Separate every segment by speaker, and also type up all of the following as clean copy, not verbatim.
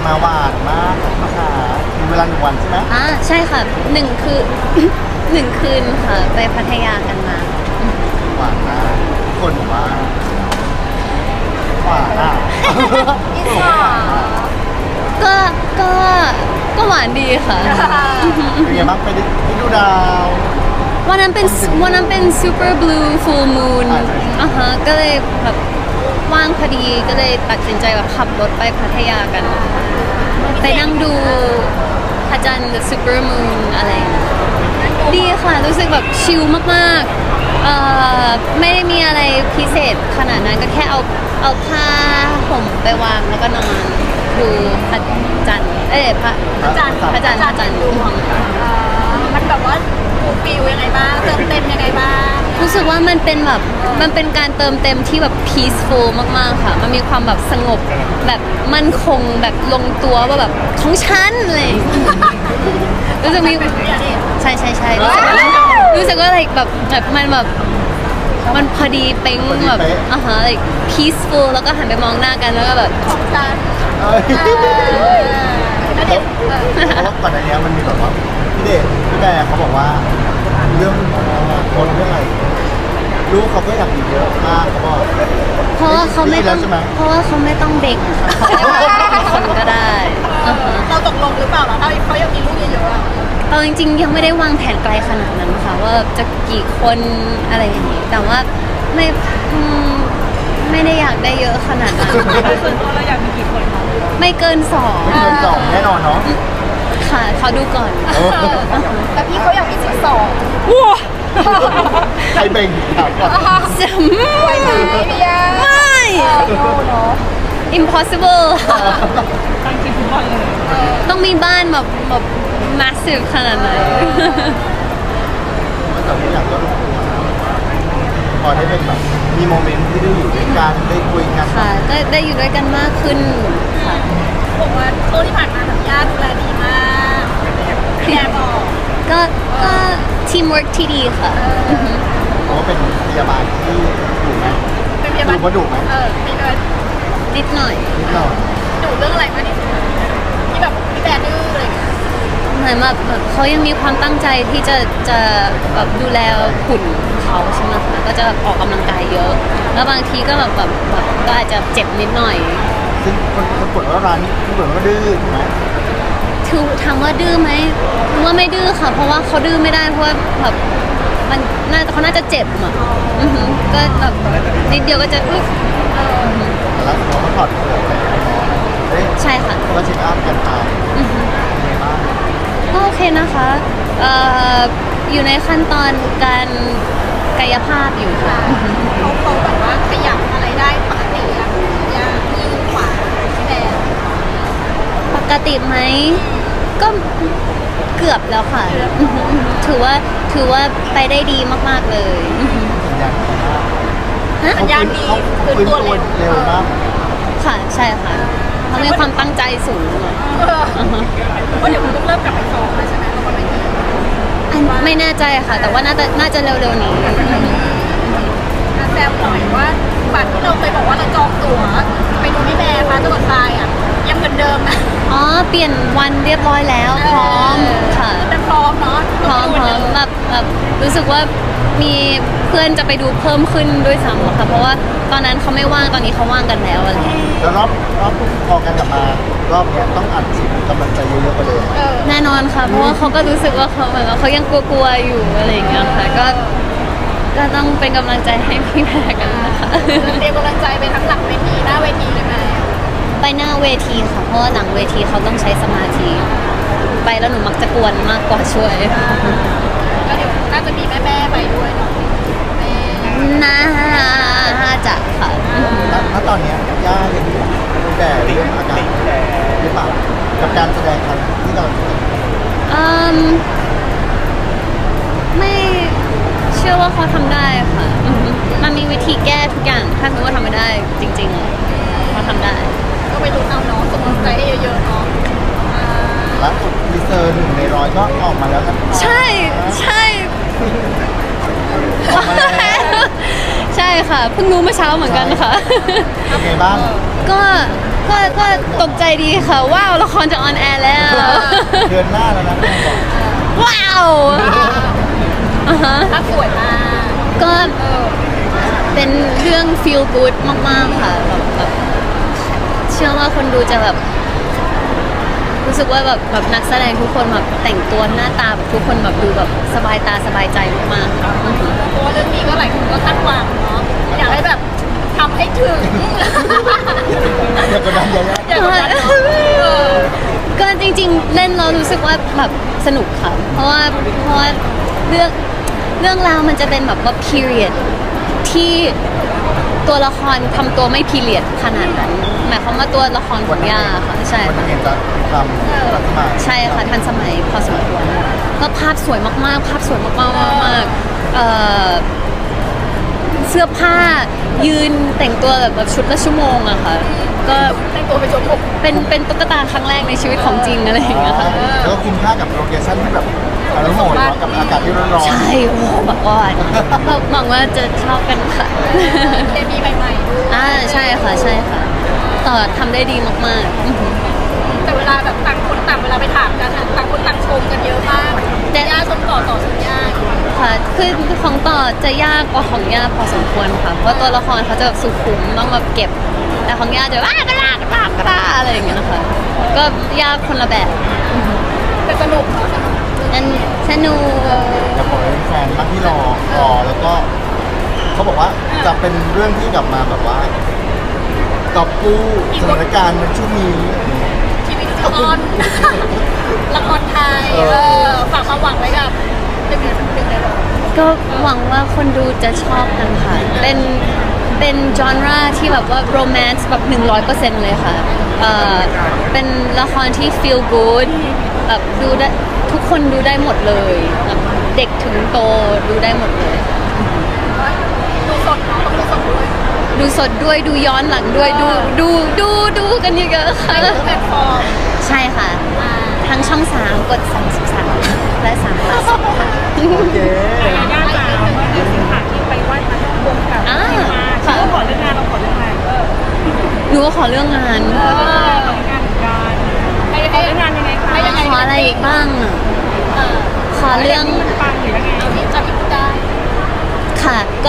Speaker 1: มาหวานมากนะคะมีเวลา1 วันใช่ไหม
Speaker 2: ใช่ค่ะ1 คือ 1 คืนค่ะไปพัทยากันมา
Speaker 1: หวานมากทุกคนบอกว่าหวานอ่ะ
Speaker 3: อิสระ
Speaker 2: ก็ก็หวานดีค่ะ
Speaker 1: เป็นไงบ้างไปดูดาว
Speaker 2: วันนั้นเป็น super blue full moon ฮะก็เลยแบบว่างพอดีก็เลยตัดสินใจแบบขับรถไปพัทยากัน ไปนั่งดูพระจันทร์ the super moon อะไรอย่างเงี้ยดีค่ะรู้สึกแบบชิลมากๆไม่ได้มีอะไรพิเศษขนาดนั้นก็แค่เอาผ้าห่มไปวางแล้วก็นอนดูพระจันทร์พระจันทร์
Speaker 3: ดูของมันแบบว่าฟูลฟิลยังไงบ้างเติมเต็มยังไงบ้าง
Speaker 2: รู้สึกว่ามันเป็นการเติมเต็มที่แบบ peaceful มากๆค่ะมันมีความแบบสงบแบบมั่นคงแบบลงตัวว่าแบบของฉันเลยรู้สึกมีใช่รู้สึกว่าอะไรแบบมันแบบมันพอดีเป๊งแบบlike peaceful แล้วก็หันไปมองหน้ากันแล้วก็แบบ
Speaker 3: ของฉัน
Speaker 1: เอ้ย
Speaker 3: แล้วเด็ก
Speaker 1: เพราะว่าก่อนอันเนี้ยมันมีแบบว่าพี่เดชพี่แบร์เขาบอกว่าเรื่องคนเรื่องอะไรลูกเขาก็อยากมีเยอะมากเขาบอก
Speaker 2: เพราะว่าเขาไม่ต้อง
Speaker 1: ได้ยินแล้วใช่ไหม
Speaker 2: เพราะว่าเขาไม่ต้องเบ่งค่ะเขาได้เป็นคนก็ได้ฮะ
Speaker 3: เราตกลงหรือเปล่าล่ะถ้าเขายังมีลูกเยอะๆอะ
Speaker 2: เอาจริงๆยังไม่ได้วางแผนไกลขนาดนั้นค่ะว่าจะกี่คนอะไรอย่างนี้แต่ว่าไม่ได้อยากได้เยอะขนาดนั้น
Speaker 3: ส่วนตัวเราอยากมีกี่คนคะ
Speaker 2: ไม่เกิน
Speaker 1: เงินสองแน่นอนเนาะ
Speaker 2: 2ค่ะเขาดูก่อน
Speaker 3: แต่พี่เขาอยากมี12
Speaker 1: ใครเบ่งถามก่อน
Speaker 3: ไหวไหมพี่ยา
Speaker 2: ไม่
Speaker 3: เนาะ
Speaker 2: impossible ค่ะต้องมีบ้านแบบ massive ขนาดไหน
Speaker 1: เมื่อก่อนที่อยากก็พอได้เป็นแบบมีโมเมนต์ที่ได้อยู่ด้วยกันได้คุยกัน
Speaker 2: ค่ะก็ได้อยู่ด้วยกันมากขึ้นค่ะ
Speaker 3: บอกว่าช่วงที่ผ่านมาแบบย่าดูแลดีมากพี่แอบอก
Speaker 2: ก็ทีมเวิร์กที่ดีค่ะ
Speaker 1: เพราะว่าเป็นพยาบาลที่ดุไหม
Speaker 3: เป็นพยาบาล
Speaker 1: ดูว่าดุไหม
Speaker 3: มีเลย
Speaker 2: นิดหน่อย
Speaker 1: นิดหน่อย
Speaker 3: ดุเรื่องอะไรมากที่สุดที่แบบพี่แบร์ดื้ออะไรอย่างเงี้ย
Speaker 2: เหมือนแบบเขายังมีความตั้งใจที่จะแบบดูแลหุ่นเขาใช่ไหมคะก็จะออกกำลังกายเยอะ แล้วบางทีก็แบบก็อาจจะเจ็บนิดหน่อย
Speaker 1: ซึ่งคนปวดว่าร้านนี้ที่ปวดว่าดื้อถูกไหม
Speaker 2: คือถามว่าดื้อไหมว่าไม่ดื้อค่ะ เพราะว่าเขาดื้อไม่ได้เพราะว่าแบบเขาน่าจะเจ็บอ่ะก็แบบนิดเดียวก็จะอึ๊บ
Speaker 1: แล้วเราก็ถอดเปลือกไปเฮ้ย
Speaker 2: ใช่ค่ะ
Speaker 1: ก็เช็คอัพกันไปเป็นไงบ้าง
Speaker 2: ก็โอเคนะคะอยู่ในขั้นตอนการกายภาพอยู่ค่ะ
Speaker 3: เขาแบบว่าขยับอะไรได้ปกติอะย่ามือขวาพี่แบร์
Speaker 2: ปกติไหมก็เกือบแล้วค่ะ ถือว่าไปได้ดีมากๆเลย
Speaker 1: สัญญาณดีมาก
Speaker 2: ฮะ
Speaker 1: เขาฟื้นตัวเร็วมาก
Speaker 2: ค่ะใช่ค่ะเขามีความตั้งใจสูง
Speaker 3: ว่าเดี๋ยวคุณต้องเริ่มกลับไปซ้อมแล้วใช่ไหมละครเวที
Speaker 2: อันไม่แน่ใจค่ะ แต่ว่าน่าจะเร็วๆนี้
Speaker 3: แซวหน่อยว่าบัตรที่เราเคยบอกว่าเราจองตั๋วไปดูพี่แบร์มาจังหวัดทรายอะยังเหมือนเดิมนะ
Speaker 2: อ๋อเปลี่ยนวันเรียบร้อยแล้วพร้อมค่ะ
Speaker 3: เป็นพร้อมเนาะ
Speaker 2: พร้อมแบบรู้สึกว่ามีเพื่อนจะไปดูเพิ่มขึ้นด้วยซ้ำอะค่ะ เพราะว่าตอนนั้นเขาไม่ว่างตอนนี้เขาว่างกันแล้วอะไรอย่างเงี้ย
Speaker 1: แล้วรอบพอกันกลับมารอบเนี้ยต้องอัดฉีดกำลังใจเยอะๆกว่าเดิม
Speaker 2: แน่นอนค่ะ เพราะว่าเขาก็รู้สึกว่าเขาเหมือนว่าเขายังกลัวๆอยู่อะไรอย่างเงี้ยค่ะก็ต้องเป็นกำลังใจให้พี่แพรกันนะคะ
Speaker 3: เตรียมกำลังใจไปทั้งหลังเวทีหน้าเวทีเลยไหม
Speaker 2: ไปหน้าเวทีค่ะ เพราะว่าหลังเวทีเขาต้องใช้สมาธิไปแล้วหนูมักจะกวนมากกว่าช่วย
Speaker 3: ก็เดี๋ยวน่าจะมีแม่ๆไปด้วยเนาะแม่
Speaker 2: น่าจะค่ะ
Speaker 1: แล้วตอนเนี้ยย่ายังอยู่แต่เรื่องอาการหรือเปล่ากับการแสดงครั้งที่เรา
Speaker 2: ไม่เชื่อว่าเขาทำได้ค่ะมันมีวิธีแก้ทุกอย่างถ้าสมมติว่าทำไม่ได้จริงๆเขาทำได้
Speaker 3: ก็ไปลุ้นเอาเนาะส่งกำลังใจให้เยอะๆเนาะ
Speaker 1: ล่าสุดดีเซอร์1 ใน 100ก็ออกมาแล้วกัน
Speaker 2: ใช่
Speaker 1: ออกมาแล้ว
Speaker 2: ใช่ค่ะเพิ่งรู้เมื่อเช้าเหมือนกันค่ะ
Speaker 1: เป็นไงบ้าง
Speaker 2: ก็ตกใจดีค่ะ ว้าวละครจะออนแอร์แล้ว
Speaker 1: เดือนหน้าแล้วนะแม่บอก
Speaker 2: ว้าวอ่าฮะ
Speaker 3: ภาพสวยมาก
Speaker 2: ก็เป็นเรื่อง feel good มาก ๆ ค่ะแบบเชื่อว่าคนดูจะแบบ รู้สึกว่าแบบนักแสดงทุกคนแบบแต่งตัวหน้าตาแบบทุกคนแบบดูแบบสบายตาสบายใจมากๆค่ะ
Speaker 3: เพราะว่าเรื่องนี้ก็หลายคนก็คาดหวังเนาะอยากให้แบบทำให้ถึง
Speaker 1: อย่ากดดันอย่า
Speaker 3: อยากให้แบบ
Speaker 2: ก็จริงๆ เล่นเรารู้สึกว่าแบบสนุกค่ะ เพราะว่าเรื่องราวมันจะเป็นแบบว่า period ที่ตัวละครทำตัวไม่ period ขนาดนั้นหมายความว่าตัวละครของย่าค่ะใช่
Speaker 1: วัน
Speaker 2: ค่ะ
Speaker 1: นี้เห็นจะทำรัฐบาล
Speaker 2: ใช่ค่ะทันสมัยพอสมควรก็ภาพสวยมากๆ ภาพสวยมากๆเสื้อผ้ายืนแต่งตัวแบบชุดละชั่วโมงอะค่ะ ก็
Speaker 3: แต่งตัวเป็นโจม
Speaker 2: เป็นตุ๊กตาครั้งแรกในชีวิตของจริงอะไรอย่างเงี้ยค่ะ
Speaker 1: แล้วก็คุ้มค่ากับโลเคชั่นที่แบบอารมณ์โหดกับอากาศที่ร้อนๆ
Speaker 2: ใช่โอ้แบบว่าหวังว่าจะชอบกันค่ะ
Speaker 3: เคมีใหม่ๆด้วย
Speaker 2: ใช่ค่ะใช่ค่ะต่อทำได้ดีมากๆ
Speaker 3: แต่เวลาแบบต่างคนต่างเวลาไปถามกันอะต่างคนต่างชมกันเยอะมากย่าชมต่อชมย่า
Speaker 2: ค่ะคือของต่อจะยากกว่าของย่าพอสมควรค่ะ เพราะตัวละครเขาจะแบบสุขุมต้องแบบเก็บ แต่ของย่าจะกระลากระอะไรอย่างเงี้ยนะคะก็ยากคนละแบบ
Speaker 3: แต่สนุกเนาะสนุก
Speaker 2: อันสนุก
Speaker 1: จะบอกให้แฟนบ้างที่รอแล้วก็เขาบอกว่าจะเป็นเรื่องที่กลับมาแบบว่ากอบกู้สถานการณ์ในช่วงนี้
Speaker 3: ชีวิตละครละครไทยฝากความหวังไว้กับหนึ่งในโลก
Speaker 2: ก็หวังว่าคนดูจะชอบกันค่ะ เป็นจอนราที่แบบว่าโรแมนต์แบบ 100% เลยค่ะเป็นละครที่ feel good แบบดูได้ทุกคนดูได้หมดเลยแบบเด็กถึงโตดูได้หมดเลย
Speaker 3: ดูสดเนาะต้องดูสดด้วย
Speaker 2: ดูสดด้วยดูย้อนหลังด้วยดูกันเยอะๆค่ะ
Speaker 3: ในทุกแพลตฟอร์ม
Speaker 2: ใช่ค่ะ ทั้งช่อง 3 กด 33 และ3 ค่ะ
Speaker 1: โอเค
Speaker 3: ย่าจ๋าเมื่อเดือนสิงหาที่ไปไหว้พระที่วงกับ
Speaker 2: อ่า
Speaker 3: มา
Speaker 2: ค่ะ
Speaker 3: เราขอเรื่องงานเราขอเรื่องงาน
Speaker 2: หนูก็ขอเรื่องงาน
Speaker 3: ขอเรื่องงานเหมือนกันให้เรื่องงานยังไงคะให้ยังไง
Speaker 2: ขออะไรอีกบ้างอะขอเรื่อง
Speaker 3: ปังหรือยังไงเอาที่จะพิพูดได้
Speaker 2: ค่ะก็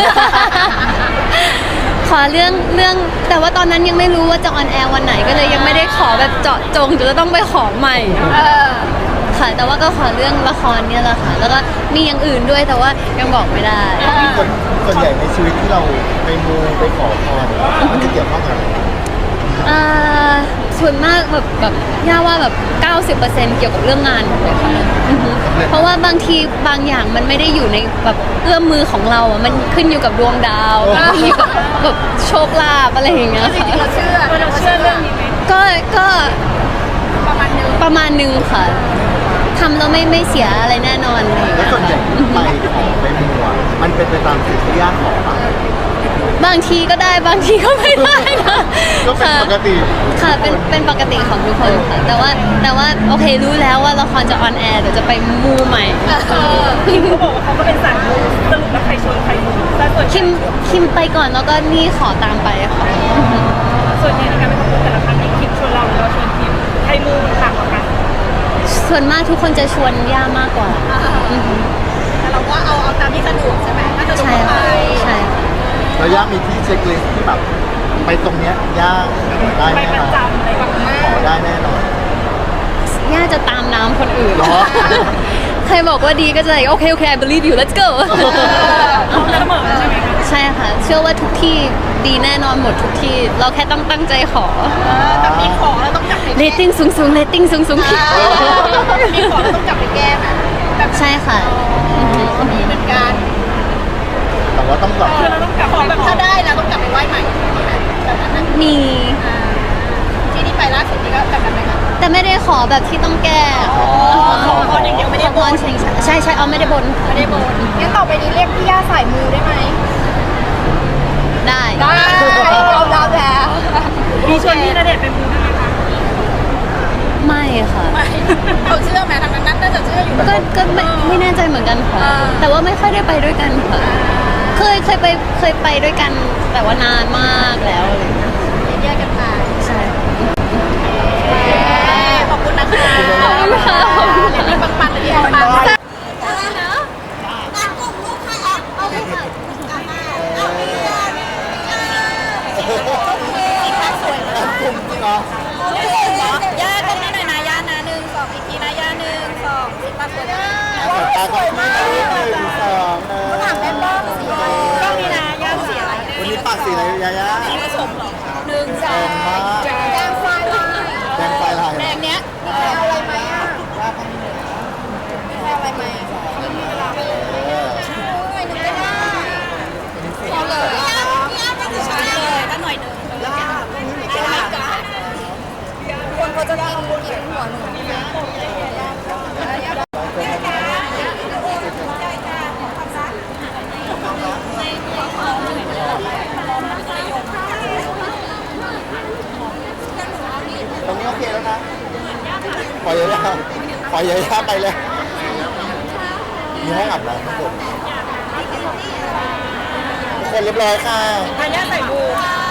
Speaker 2: ขอเรื่องแต่ว่าตอนนั้นยังไม่รู้ว่าจะออนแอร์วันไหนก็เลยยังไม่ได้ขอแบบเจาะจงจะต้องไปขอใหม่ ค่ะ แต่ว่าก็ขอเรื่องละครเนี่ยแหละค่ะ แล้วก็มีอย่างอื่นด้วยแต่ว่ายังบอกไม่ได้
Speaker 1: ส่วนใหญ่ในชีวิตที่เราไปมูไปขอพรมันจะเกี่ยวข้องกับอะไร
Speaker 2: ส่วนมากแบบย่าว่าแบบ 90% เกี่ยวกับเรื่องงานหมดเลยค่ะอือฮึเพราะว่าบางทีบางอย่างมันไม่ได้อยู่ในแบบเอื้อมมือของเราอ่ะมันขึ้นอยู่กับดวงดาวขึ้นอยู่กับแบบโชคลาภอะไรอย่างเงี้ย
Speaker 3: จริ
Speaker 2: ค่ะ
Speaker 3: งๆเราเชื่อเรื่องนี้ไหม
Speaker 2: ก็
Speaker 3: ประมาณนึง
Speaker 2: ประมาณนึงค่ะทำแล้วไม่เสียอะไรแน่นอนอะไรอย่าง
Speaker 1: แล้ว
Speaker 2: เงี้ย
Speaker 1: ส่วนใหญ่
Speaker 2: ค่ะ
Speaker 1: ที่ไปขอไปมูอ่ะมันเป็นไปตามสิ่งที่ย่าขอป่ะ
Speaker 2: บางทีก็ได้บางทีก็ไม่ได้นะ
Speaker 1: ก็เป็นปกติ
Speaker 2: ค่ะเป็นปกติของทุกคนค่ะ แต่ว่าโอเครู้แล้วว่าละครจะออนแอร์เดี๋ยวจะไปมูใหม่
Speaker 3: เขาบอกว่าเขาก็เป็นสายมูสรุปแล้วใครชวนใครมูแต่ส่วน
Speaker 2: คิมไปก่อนแล้วก็นี่ขอตามไปค่ะ
Speaker 3: ส่วนใหญ่ในการไปทำบุญแต่ละครั้งนี้คิมชวนเราหรือเราชวนคิมใครมูต่างกว่ากัน
Speaker 2: ส่วนมากทุกคนจะชวนย่ามากกว่าอือฮึ
Speaker 3: แต่เราก็เอาตามที่สะดวกใช่ไหมถ้าสะดวก
Speaker 2: ใช่
Speaker 3: ก็ไป
Speaker 2: ค่ะใช่ค่ะ
Speaker 1: แล้วย่ามีที่เช็คลิสต์ที่แบบไปตรงเนี้ยย่าได้
Speaker 3: ไป
Speaker 1: แน่
Speaker 3: ประ
Speaker 1: นอน
Speaker 3: จำอะไรแบบนี้
Speaker 1: ขอได้แน่นอน
Speaker 2: ย่าจะตามน้ำคนอื่น
Speaker 1: เหรอ
Speaker 2: ใครบอกว่าดีก็จะโอเค I believe you let's go
Speaker 3: เขาเสมอใช่ไหมคะ
Speaker 2: ใช่ค่ะ เชื่อว่าทุกที่ดีแน่นอนหมดทุกที่ เราแค่ต้องตั้งใจขอ
Speaker 3: แต่มีของแล้วต้องจับไป
Speaker 2: เรตติ้งสูงเรตติ้งสูง
Speaker 3: มีของแล้วต้องจับไปแก้ไหมแบบ
Speaker 2: ใช่ค่ะอือฮึ
Speaker 3: มีเหมือนกัน
Speaker 1: แต่ว่าต้องกลับ
Speaker 3: คือเราต้องกลับของแบบถ้าได้แล้วต้องกลับไปไหว้ใหม่แบบนั้นนะ
Speaker 2: มี
Speaker 3: ที่ที่ไปล่าสุดนี่ก็แบบนั้นไหมคะ
Speaker 2: แต่ไม่ได้ขอแบบที่ต้องแก้
Speaker 3: ขอพรอย่างเดียวไม่ได้
Speaker 2: ข
Speaker 3: บ
Speaker 2: อพ
Speaker 3: น
Speaker 2: รใช่เอาไม่ได้บนค่ะ
Speaker 3: ไม่ได้บนงั้นต่อไปนี้เรียกพี่ย่าสายมูได้ไหม
Speaker 2: ได้
Speaker 3: ได้เรารับแล้ว มีชวนพี่ณเดชน์ไปมูด้วยไหมคะ
Speaker 2: ไม่ค่ะ
Speaker 3: ไม่เขาเชื่อไหมทางนั้นน่าจะเชื่ออยู่
Speaker 2: ก็ไม่แน่ใจเหมือนกันค่ะ แต่ว่าไม่ค่อยได้ไปด้วยกันค่ะ เคยไปด้วยกันแต่ว่านานมากแล้วอะไรอย่างเงี้ย
Speaker 3: แยกกันไป
Speaker 2: ใช่
Speaker 3: ย่าต้องนี่หน่อยนะย่านะ1 2อีกทีนะย่า1 2สิปากสวยมาก
Speaker 1: ตาก็มี1 2
Speaker 3: ถามแม่บ้างสีต้องนี่นะย่าสีอะไร
Speaker 1: วันนี้ปากสีอะไรยายา
Speaker 3: สีผสมเหรอ1 2แดงไฟลาย
Speaker 1: แดงไฟลาย
Speaker 3: แดงเนี้ยมีใครเอาอะไรไหมอ่ะมีใครเอาอะไรไหมไม่มีเวลาไปเลยหนึ่งก็ได้เอาเลยย่าไม่ใช่เลยถ้าหน่อยหนึ่งย่าคนเขาจะกินหัวหนึ่ง
Speaker 1: ตรงนี้โอเคแล้วนะปล่อยยายาปล่อยยายาไปเลยมีห้องอาบน้ำทุกคนทุกคนเรียบร้อยค่ะ
Speaker 3: อันนี้ใส่บู